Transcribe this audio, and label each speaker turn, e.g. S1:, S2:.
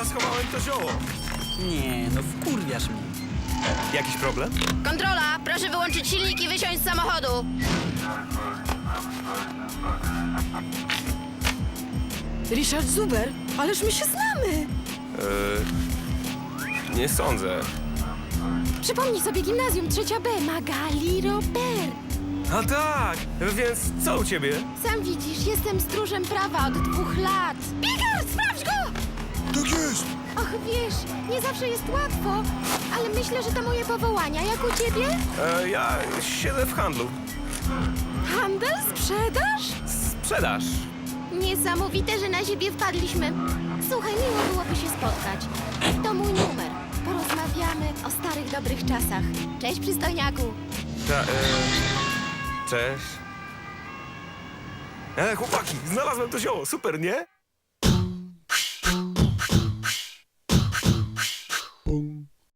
S1: schowałem to zioło.
S2: Nie, no wkurwiasz mnie.
S1: Jakiś problem?
S3: Kontrola, proszę wyłączyć silnik i wysiąść z samochodu.
S4: Richard Zuber, ależ my się znamy.
S1: Nie sądzę.
S4: Przypomnij sobie gimnazjum 3B, Magali Robert.
S1: A tak, więc co u ciebie?
S4: Sam widzisz, jestem stróżem prawa od 2 lat. Bieger, sprawdź go!
S1: Tak jest.
S4: Och, wiesz, nie zawsze jest łatwo, ale myślę, że to moje powołania. Jak u ciebie?
S1: Ja siedzę w handlu.
S4: Handel, sprzedaż?
S1: Sprzedaż.
S4: Niesamowite, że na siebie wpadliśmy. Słuchaj, miło byłoby się spotkać. To mój numer. Porozmawiamy o starych, dobrych czasach. Cześć, przystojniaku.
S1: Cześć. Chłopaki, znalazłem to zioło, super, nie?